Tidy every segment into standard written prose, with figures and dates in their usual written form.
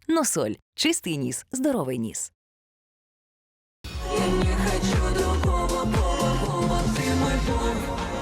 Носоль. Чистий ніс, здоровий ніс. Я не хочу другого пола, ты мой пол.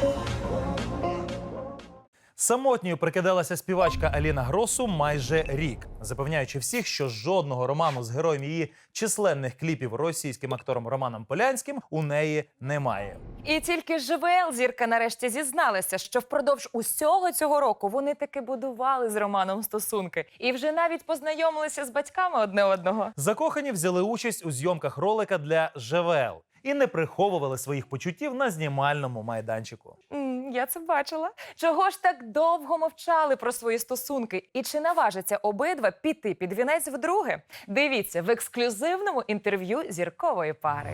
Самотньою прикидалася співачка Аліна Гросу майже рік, запевняючи всіх, що жодного роману з героєм її численних кліпів російським актором Романом Полянським у неї немає. І тільки ЖВЛ зірка нарешті зізналася, що впродовж усього цього року вони таки будували з Романом стосунки. І вже навіть познайомилися з батьками одне одного. Закохані взяли участь у зйомках ролика для ЖВЛ і не приховували своїх почуттів на знімальному майданчику. Я це бачила. Чого ж так довго мовчали про свої стосунки? І чи наважаться обидва піти під вінець вдруге? Дивіться в ексклюзивному інтерв'ю зіркової пари.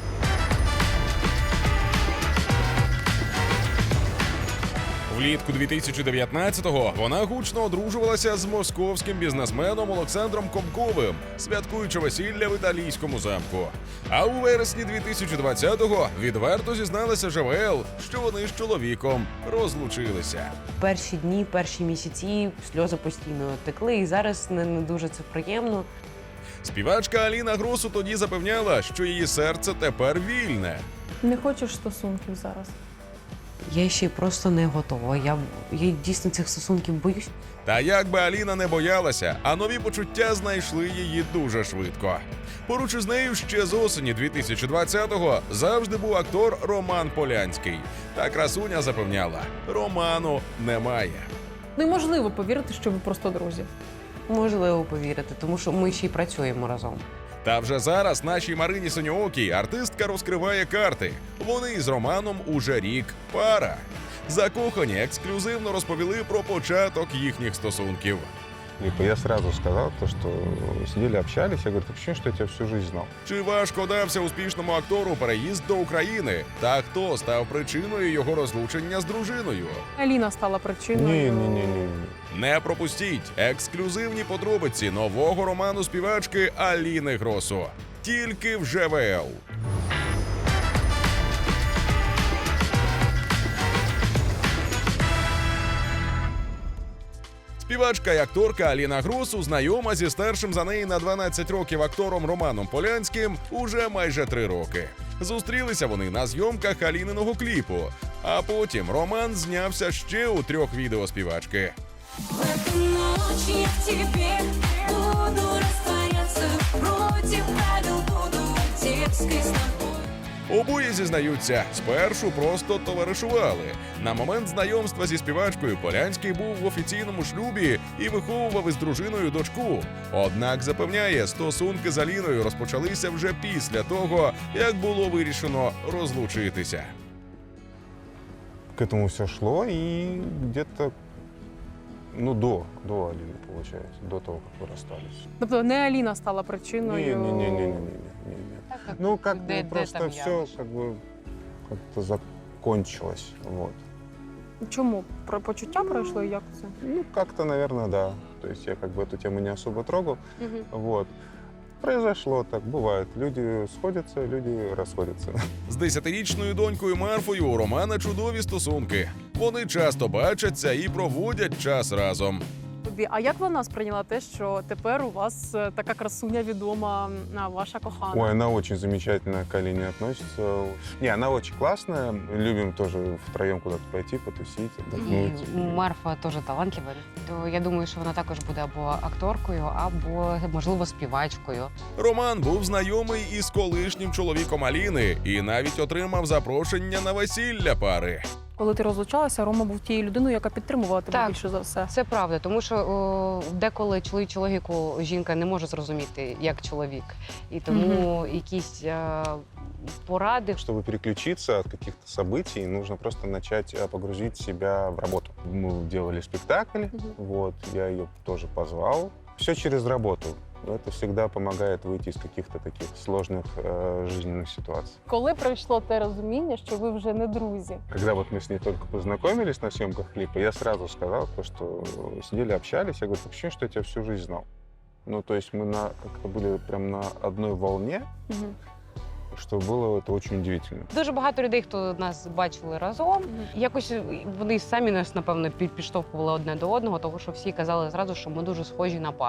Влітку 2019-го вона гучно одружувалася з московським бізнесменом Олександром Комковим, святкуючи весілля в італійському замку. А у вересні 2020-го відверто зізналася ЖВЛ, що вони з чоловіком розлучилися. Перші дні, перші місяці сльози постійно текли, і зараз не дуже це приємно. Співачка Аліна Гросу тоді запевняла, що її серце тепер вільне. Не хочеш стосунків зараз? Я ще й просто не готова. Я дійсно цих стосунків боюсь. Та як би Аліна не боялася, а нові почуття знайшли її дуже швидко. Поруч із нею ще з осені 2020-го завжди був актор Роман Полянський. Та красуня запевняла, роману немає. Неможливо повірити, що ви просто друзі. Можливо повірити, тому що ми ще й працюємо разом. Та вже зараз нашій Марині Синьоокій артистка розкриває карти. Вони із Романом уже рік пара. Закохані ексклюзивно розповіли про початок їхніх стосунків. Я сразу сказал, что сидели, общались. Я говорю, так ощущение, что я тебя всю жизнь знал. Чи важко дався успішному актору переїзд до України? Та хто став причиною його розлучення з дружиною? Аліна стала причиною. Не. Не пропустіть ексклюзивні подробиці нового роману співачки Аліни Гросу. Тільки в ЖВЛ. Співачка і акторка Аліна Гросу знайома зі старшим за неї на 12 років актором Романом Полянським уже майже 3 роки. Зустрілися вони на зйомках Аліниного кліпу, а потім Роман знявся ще у 3 відео співачки. В эту ночь я в тебе буду растворяться, против правил буду дерзкой с тобой. Обоє зізнаються, спершу просто товаришували. На момент знайомства зі співачкою Полянський був в офіційному шлюбі і виховував із дружиною дочку. Однак запевняє, стосунки з Аліною розпочалися вже після того, як було вирішено розлучитися. К этому все шло, и где-то, до Алины, получается, до того, как вы расстались. Тобто не Аліна стала причиною. Не. Просто все как-то закончилось, вот. Чому? Про почуття пройшло і як це? Как-то, наверное, да. То есть я эту тему не особо трогал, вот. Произошло так, бывает. Люди сходятся, люди расходятся. З 10-річною донькою Марфою у Романа чудові стосунки. Вони часто бачаться і проводять час разом. А як вона сприйняла те, що тепер у вас така красуня відома, ваша кохана? Ой, она очень замечательно к Алине относится. Не, она очень классная. Любим тоже втроем куда-то пойти, потусить, отдохнуть. Марфа теж талантлива. То я думаю, що вона також буде або акторкою, або, можливо, співачкою. Роман був знайомий із колишнім чоловіком Аліни і навіть отримав запрошення на весілля пари. Коли ти розлучалася, Рома був тією людиною, яка підтримувала тебе Так. більше за все. Це правда, тому що деколи чоловічу логіку жінка не може зрозуміти як чоловік. І тому якісь поради. Чтобы переключиться от каких-то событий, нужно просто начать погрузить себя в работу. Мы делали спектакль, вот, я ее тоже позвал. Все через работу. Это всегда помогает выйти из каких-то таких сложных жизненных ситуаций. Коли прийшло те розуміння, що ви вже не друзі? Когда вот мы с ней только познакомились на съемках клипа, я сразу сказал, что сидели, общались. Я говорю, ощущение, что я тебя всю жизнь знал. То есть мы как-то были прям на одной волне, що було це дуже удивительно. Дуже багато людей, хто нас бачили разом, якось вони самі нас, напевно, підштовхували одне до одного, тому що всі казали зразу, що ми дуже схожі на пару.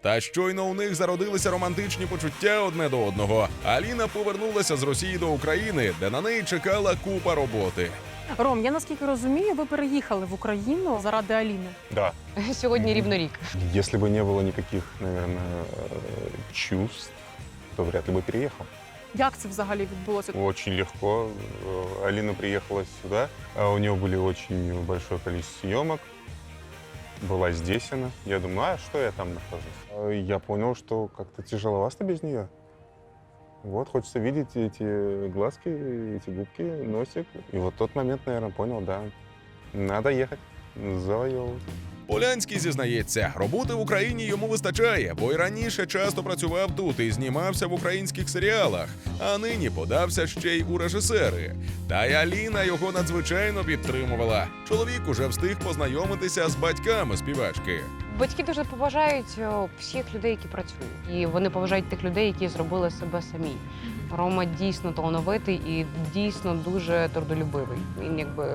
Та щойно у них зародилися романтичні почуття одне до одного. Аліна повернулася з Росії до України, де на неї чекала купа роботи. Ром, я наскільки розумію, ви переїхали в Україну заради Аліни. Да. Сьогодні рівно рік. Если бы не было никаких, наверное, чувств, то вряд ли бы переехал. Як це взагалі відбулося? Очень легко. Алина приехала сюда, а у нее были очень большое количество съемок. Была здесь она. Я думаю, а что я там нахожусь? Я понял, что как-то тяжеловато без нее. Вот, хочется видеть эти глазки, эти губки, носик. И вот тот момент, наверное, понял, да, надо ехать, завоевывать. Полянський зізнається, роботи в Україні йому вистачає, бо й раніше часто працював тут і знімався в українських серіалах, а нині подався ще й у режисери. Та й Аліна його надзвичайно підтримувала. Чоловік уже встиг познайомитися з батьками співачки. Батьки дуже поважають всіх людей, які працюють. І вони поважають тих людей, які зробили себе самі. Рома дійсно талановитий і дійсно дуже трудолюбивий. Він якби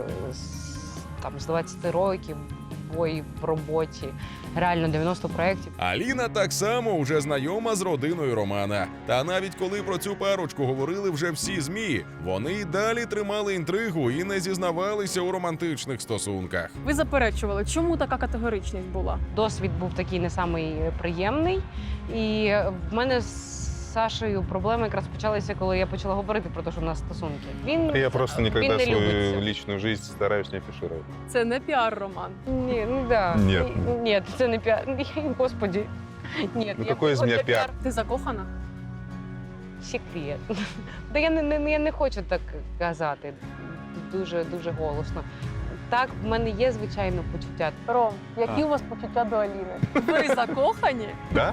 з 20 років бої в роботі, реально 90 проєктів. Аліна так само вже знайома з родиною Романа. Та навіть коли про цю парочку говорили вже всі ЗМІ, вони й далі тримали інтригу і не зізнавалися у романтичних стосунках. Ви заперечували, чому така категоричність була? Досвід був такий не самий приємний. І в мене з Сашею проблеми якраз почалися, коли я почала говорити про те, що в нас стосунки. Я просто він никогда не свою любить це. личную жизнь стараюсь не афишировать. Це не піар-роман. Ні, ну да. Ні. Ні, це не піар. Господи. Ні, Ну какой из меня пиар? Ти закохана? Секрет. Та я не хочу так казати дуже голосно. Так, в мене є, звичайно, почуття. Ром, які у вас почуття до Аліни? Ви закохані? Да?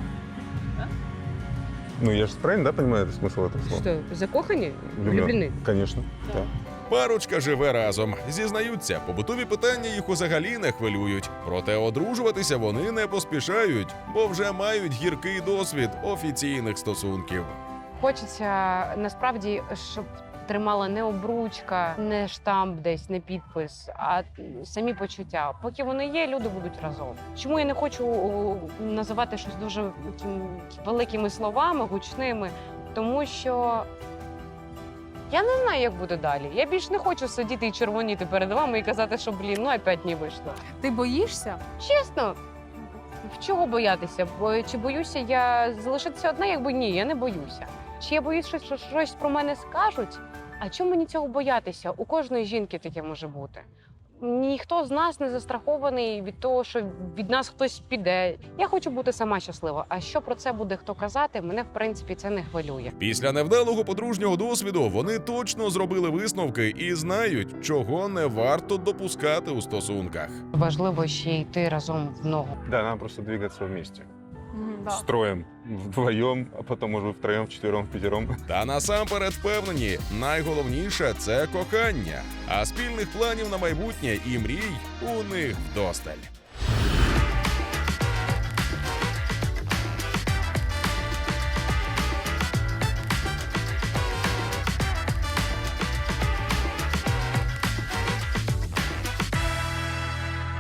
Ну я же правильно, да, понимаю смысл этого слова? Що, закохані? Влюблен. Влюблені? Конечно. Да. Парочка живе разом. Зізнаються, побутові питання їх взагалі не хвилюють. Проте одружуватися вони не поспішають, бо вже мають гіркий досвід офіційних стосунків. Хочеться насправді, щоб тримала не обручка, не штамп десь, не підпис, а самі почуття. Поки вони є, люди будуть разом. Чому я не хочу називати щось дуже великими словами, гучними? Тому що я не знаю, як буде далі. Я більш не хочу сидіти і червоніти перед вами і казати, що, ну опять не вийшло. Ти боїшся? Чесно, в чого боятися? Чи боюся я залишитися одна? Якби ні, я не боюся. Чи я боюсь, що щось про мене скажуть? А чому мені цього боятися? У кожної жінки таке може бути. Ніхто з нас не застрахований від того, що від нас хтось піде. Я хочу бути сама щаслива. А що про це буде хто казати, мене, в принципі, це не хвилює. Після невдалого подружнього досвіду вони точно зробили висновки і знають, чого не варто допускати у стосунках. Важливо ще йти разом в ногу. Да, надо просто двигаться вместе. Да. Строем вдвоем, а потом, может быть, втроем, вчетвером, пятером. Та насамперед впевнені, найголовніше – це кохання. А спільних планів на майбутнє і мрій у них вдосталь.